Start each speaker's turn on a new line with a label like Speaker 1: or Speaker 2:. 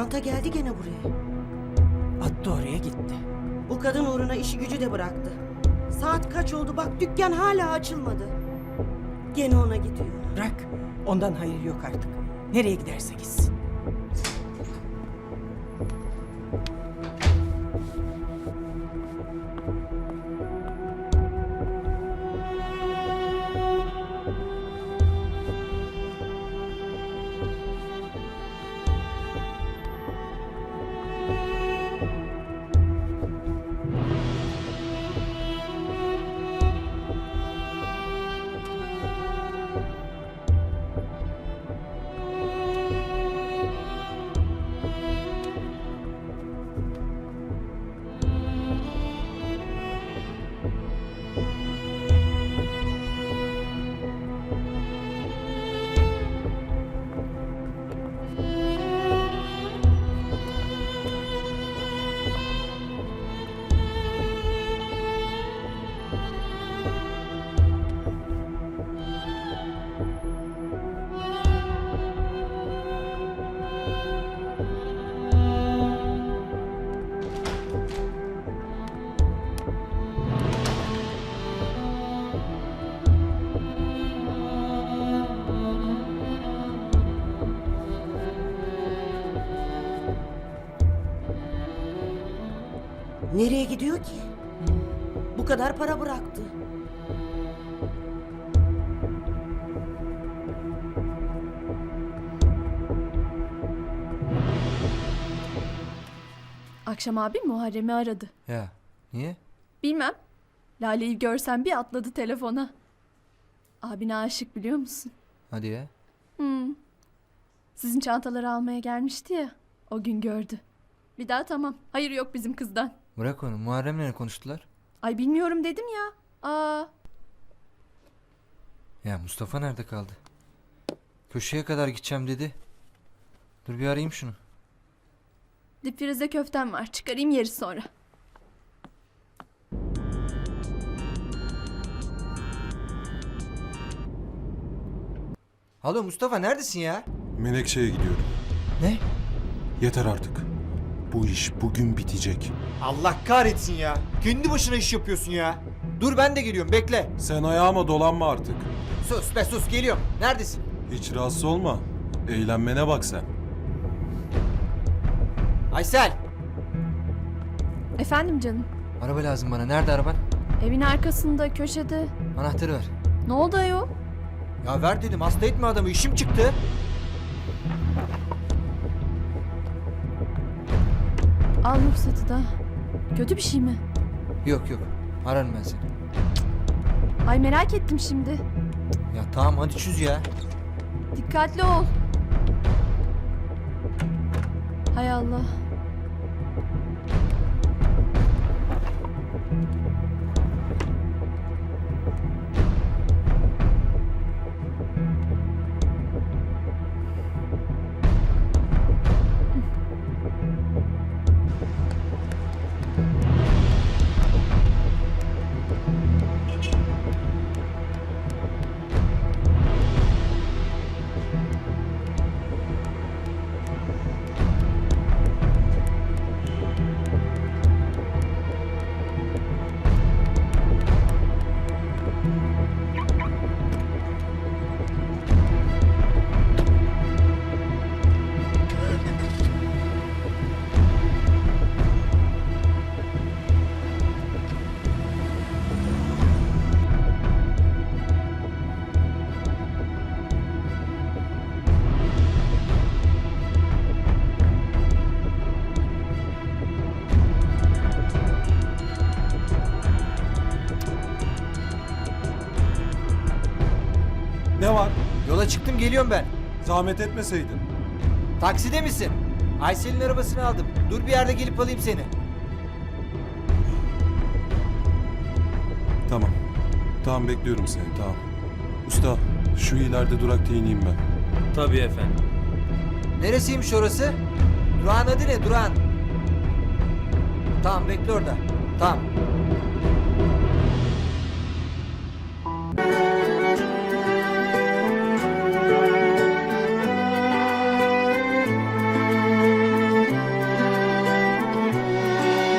Speaker 1: Çanta geldi gene buraya.
Speaker 2: Attı oraya gitti.
Speaker 1: Bu kadın uğruna işi gücü de bıraktı. Saat kaç oldu bak, dükkan hala açılmadı. Gene ona gidiyor.
Speaker 2: Bırak. Ondan hayır yok artık. Nereye giderse gitsin.
Speaker 1: Nereye gidiyor ki? Bu kadar para bıraktı.
Speaker 3: Akşam abim Muharrem'i aradı.
Speaker 4: Ya niye?
Speaker 3: Bilmem. Lale'yi görsen bir atladı telefona. Abine aşık biliyor musun?
Speaker 4: Hadi ya.
Speaker 3: Sizin çantaları almaya gelmişti ya. O gün gördü. Bir daha tamam. Hayır yok bizim kızdan.
Speaker 4: Bırak onu. Muharrem'le ne konuştular?
Speaker 3: Ay bilmiyorum dedim ya.
Speaker 4: Ya Mustafa nerede kaldı? Köşeye kadar gideceğim dedi. Dur bir arayayım şunu.
Speaker 3: Dipfrize köftem var. Çıkarayım yeri sonra.
Speaker 4: Alo Mustafa neredesin ya?
Speaker 5: Menekşe'ye gidiyorum.
Speaker 4: Ne?
Speaker 5: Yeter artık. Bu iş bugün bitecek.
Speaker 6: Allah kahretsin ya. Kendi başına iş yapıyorsun ya.
Speaker 4: Dur ben de geliyorum bekle.
Speaker 5: Sen ayağıma dolanma artık.
Speaker 4: Sus be sus geliyorum. Neredesin?
Speaker 5: Hiç rahatsız olma. Eğlenmene bak sen.
Speaker 4: Aysel.
Speaker 3: Efendim canım.
Speaker 4: Araba lazım bana. Nerede araban?
Speaker 3: Evin arkasında köşede.
Speaker 4: Anahtarı ver.
Speaker 3: Ne oldu ayol?
Speaker 4: Ya ver dedim hasta etme adamı işim çıktı.
Speaker 3: Al ruhsatı da. Kötü bir şey mi?
Speaker 4: Yok yok ararım ben seni.
Speaker 3: Ay merak ettim şimdi.
Speaker 4: Ya tamam hadi çöz ya.
Speaker 3: Dikkatli ol. Hay Allah.
Speaker 5: Ne var?
Speaker 4: Yola çıktım geliyorum ben.
Speaker 5: Zahmet etmeseydin.
Speaker 4: Takside misin? Aysel'in arabasını aldım. Dur bir yerde gelip alayım seni.
Speaker 5: Tamam. Tamam bekliyorum seni tamam. Usta şu ileride durakta ineyim ben.
Speaker 7: Tabii efendim.
Speaker 4: Neresiymiş orası? Durağın adı ne? Durağın. Tamam bekle orada. Tamam.